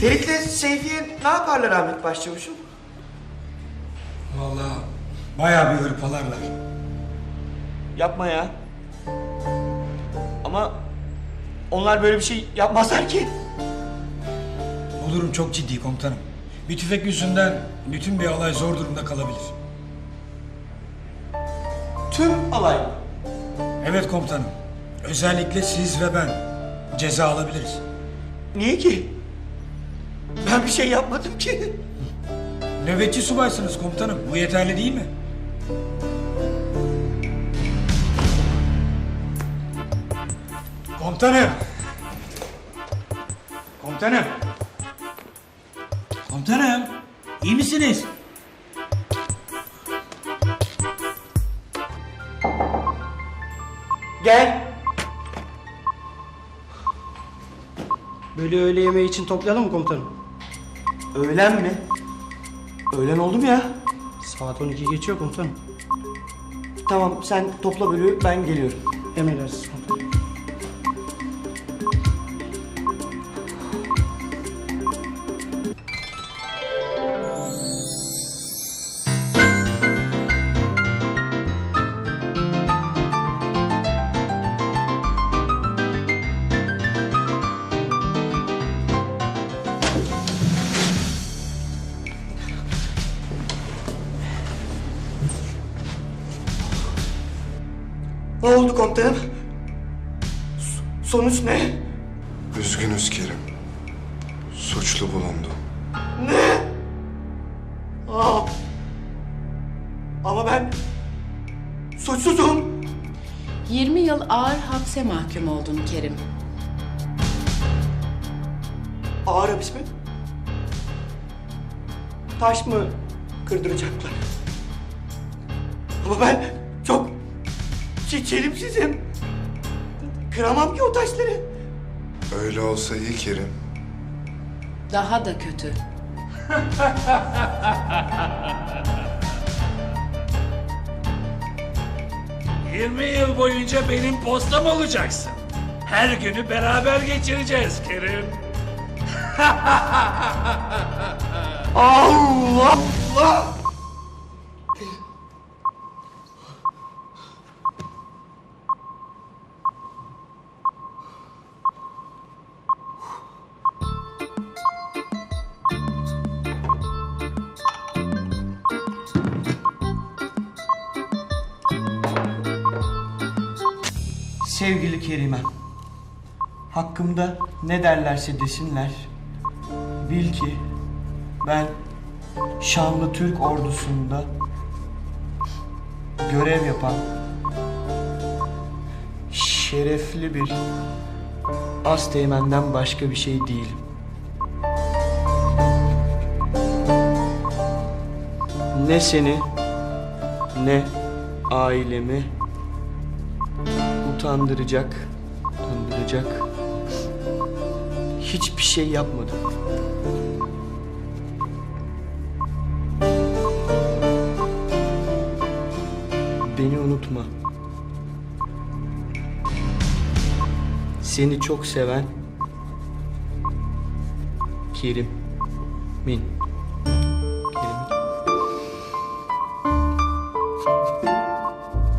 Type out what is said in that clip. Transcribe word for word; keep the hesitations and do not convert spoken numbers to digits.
Ferit'le Seyfiye ne yaparlar Ahmet Başçavuş'um? Vallahi bayağı bir hırpalarlar. Yapma ya. Ama onlar böyle bir şey yapmazlar ki. O durum çok ciddi komutanım. Bir tüfek yüzünden bütün bir alay zor durumda kalabilir. Tüm alay. Evet komutanım. Özellikle siz ve ben ceza alabiliriz. Niye ki? Ben bir şey yapmadım ki. Nöbetçi subaysınız komutanım. Bu yeterli değil mi? Komutanım. Komutanım. Komutanım. İyi misiniz? Gel. Böyle öğle yemeği için toplayalım mı komutanım? Öğlen mi? Öğlen oldu mu ya? Saat on iki geçiyor komutanım. Tamam sen topla bölüğü ben geliyorum. Emredersiniz komutanım. Ne oldu komutanım? S- sonuç ne? Üzgünüz Kerim. Suçlu bulundu. Ne? Aa. Ama ben suçsuzum. yirmi yıl ağır hapse mahkum oldun Kerim. Ağır hapis mi? Taş mı kırdıracaklar? Ama ben çok çe- çelimsizim. Kıramam ki o taşları. Öyle olsa iyi Kerim. Daha da kötü. yirmi yıl boyunca benim postam olacaksın. Her günü beraber geçireceğiz Kerim. Allah Allah! Sevgili Kerimem, hakkımda ne derlerse desinler, bil ki ben şanlı Türk ordusunda görev yapan şerefli bir asteğmenden başka bir şey değilim. Ne seni ne ailemi utandıracak, utandıracak hiçbir şey yapmadım. Beni unutma. Seni çok seven Kerim Min.